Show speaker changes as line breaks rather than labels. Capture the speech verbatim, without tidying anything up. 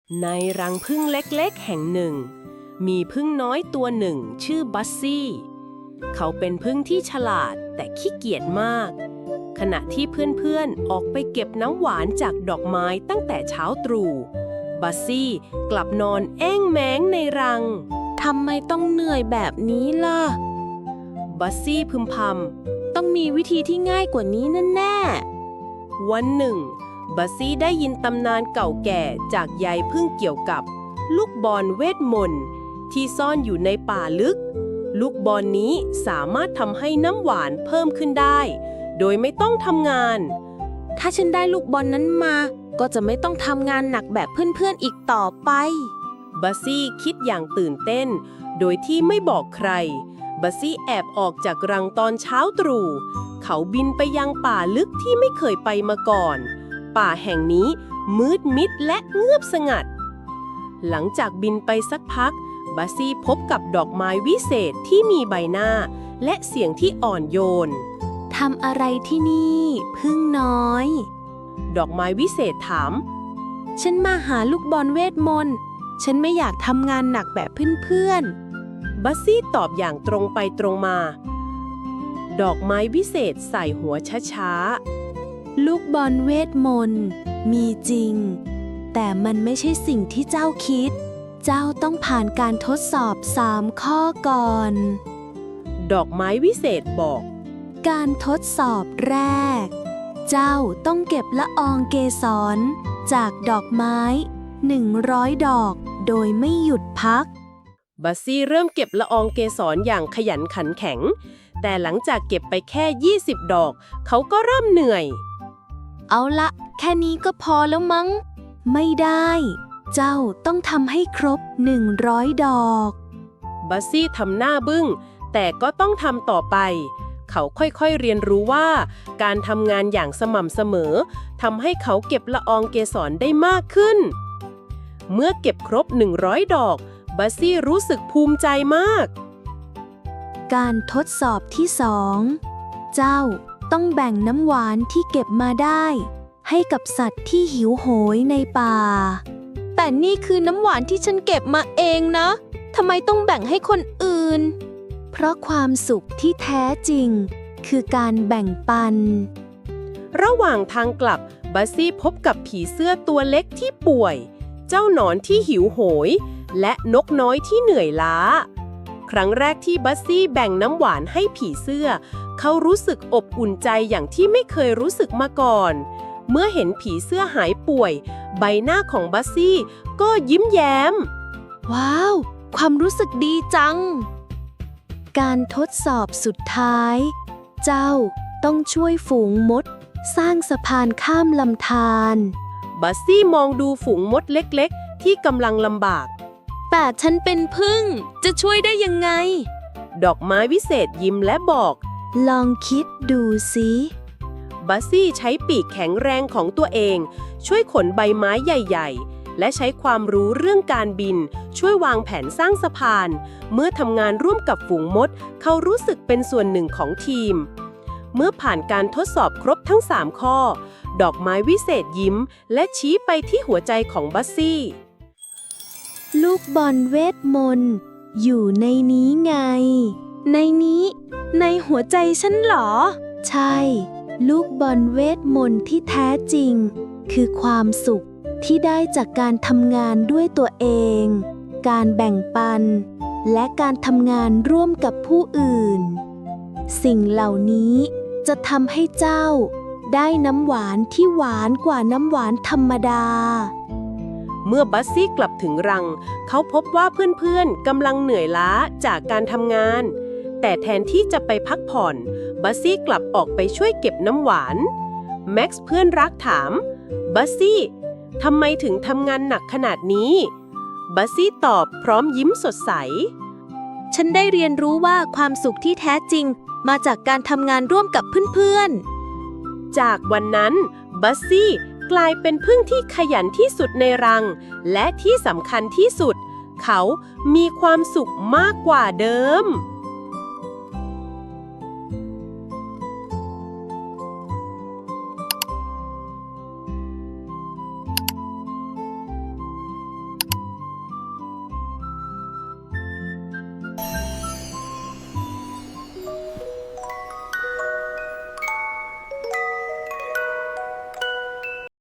ในรังผึ้งเล็กๆแห่งหนึ่งมีผึ้งน้อยตัวหนึ่งชื่อบัสซี่เขาเป็นผึ้งที่ฉลาดแต่ขี้เกียจมากขณะที่เพื่อนๆออกไปเก็บน้ำหวานจากดอกไม้ตั้งแต่เช้าตรู่บัสซี่กลับนอนแอ้งแม้งในรังทำไมต้องเหนื่อยแบบนี้ล่ะบัสซี่พึมพำต้องมีวิธีที่ง่ายกว่านี้แน่ๆวันหนึ่งบัสซี่ได้ยินตำนานเก่าแก่จากยายผึ้งเกี่ยวกับลูกบอลเวทมนต์ที่ซ่อนอยู่ในป่าลึกลูกบอลนี้สามารถทำให้น้ำหวานเพิ่มขึ้นได้โดยไม่ต้องทำงานถ้าฉันได้ลูกบอลนั้นมาก็จะไม่ต้องทำงานหนักแบบเพื่อนๆอีกต่อไปบัสซี่คิดอย่างตื่นเต้นโดยที่ไม่บอกใครบัสซี่แอบออกจากรังตอนเช้าตรู่เขาบินไปยังป่าลึกที่ไม่เคยไปมาก่อนป่าแห่งนี้มืดมิดและเงียบสงัดหลังจากบินไปสักพักบัสซี่พบกับดอกไม้วิเศษที่มีใบหน้าและเสียงที่อ่อนโยนทำอะไรที่นี่ผึ้งน้อยดอกไม้วิเศษถามฉันมาหาลูกบอลเวทมนต์ฉันไม่อยากทำงานหนักแบบเพื่อนๆบัสซี่ตอบอย่างตรงไปตรงมาดอกไม้วิเศษใส่หัวช้าๆลูกบอลเวทมนต์มีจริงแต่มันไม่ใช่สิ่งที่เจ้าคิดเจ้าต้องผ่านการทดสอบสามข้อก่อนดอกไม้วิเศษบอกการทดสอบแรกเจ้าต้องเก็บละอองเกสรจากดอกไม้หนึ่งร้อยดอกโดยไม่หยุดพักบัสซี่เริ่มเก็บละอองเกสรอย่างขยันขันแข็งแต่หลังจากเก็บไปแค่ยี่สิบดอกเขาก็เริ่มเหนื่อยเอาละแค่นี้ก็พอแล้วมั้งไม่ได้เจ้าต้องทำให้ครบหนึ่งร้อยดอกบัสซี่ทำหน้าบึ้งแต่ก็ต้องทำต่อไปเขาค่อยๆเรียนรู้ว่าการทำงานอย่างสม่ำเสมอทำให้เขาเก็บละอองเกสรได้มากขึ้นเมื่อเก็บครบหนึ่งร้อยดอกบัสซี่รู้สึกภูมิใจมากการทดสอบที่สองเจ้าต้องแบ่งน้ำหวานที่เก็บมาได้ให้กับสัตว์ที่หิวโหยในป่าแต่นี่คือน้ำหวานที่ฉันเก็บมาเองนะทำไมต้องแบ่งให้คนอื่นเพราะความสุขที่แท้จริงคือการแบ่งปันระหว่างทางกลับบัสซี่พบกับผีเสื้อตัวเล็กที่ป่วยเจ้าหนอนที่หิวโหยและนกน้อยที่เหนื่อยล้าครั้งแรกที่บัสซี่แบ่งน้ำหวานให้ผีเสื้อเขารู้สึกอบอุ่นใจอย่างที่ไม่เคยรู้สึกมาก่อนเมื่อเห็นผีเสื้อหายป่วยใบหน้าของบัสซี่ก็ยิ้มแย้มว้าวความรู้สึกดีจังการทดสอบสุดท้ายเจ้าต้องช่วยฝูงมดสร้างสะพานข้ามลำธารบัสซี่มองดูฝูงมดเล็กๆที่กำลังลำบากแต่ฉันเป็นผึ้งจะช่วยได้ยังไงดอกไม้วิเศษยิ้มและบอกลองคิดดูสิบัสซี่ใช้ปีกแข็งแรงของตัวเองช่วยขนใบไม้ใหญ่ๆและใช้ความรู้เรื่องการบินช่วยวางแผนสร้างสะพานเมื่อทำงานร่วมกับฝูงมดเขารู้สึกเป็นส่วนหนึ่งของทีมเมื่อผ่านการทดสอบครบทั้งสามข้อดอกไม้วิเศษยิ้มและชี้ไปที่หัวใจของบัสซี่ลูกบอลเวทมนต์อยู่ในนี้ไงในนี้ในหัวใจฉันเหรอใช่ลูกบอลเวทมนต์ที่แท้จริงคือความสุขที่ได้จากการทำงานด้วยตัวเองการแบ่งปันและการทำงานร่วมกับผู้อื่นสิ่งเหล่านี้จะทำให้เจ้าได้น้ำหวานที่หวานกว่าน้ำหวานธรรมดาเมื่อบัสซี่กลับถึงรังเขาพบว่าเพื่อนๆกำลังเหนื่อยล้าจากการทำงานแต่แทนที่จะไปพักผ่อนบัสซี่กลับออกไปช่วยเก็บน้ำหวานแม็กซ์เพื่อนรักถามบัสซี่ทำไมถึงทำงานหนักขนาดนี้บัสซี่ตอบพร้อมยิ้มสดใสฉันได้เรียนรู้ว่าความสุขที่แท้จริงมาจากการทำงานร่วมกับเพื่อนๆจากวันนั้นบัสซี่กลายเป็นผึ้งที่ขยันที่สุดในรังและที่สำคัญที่สุดเขามีความสุขมากกว่าเดิม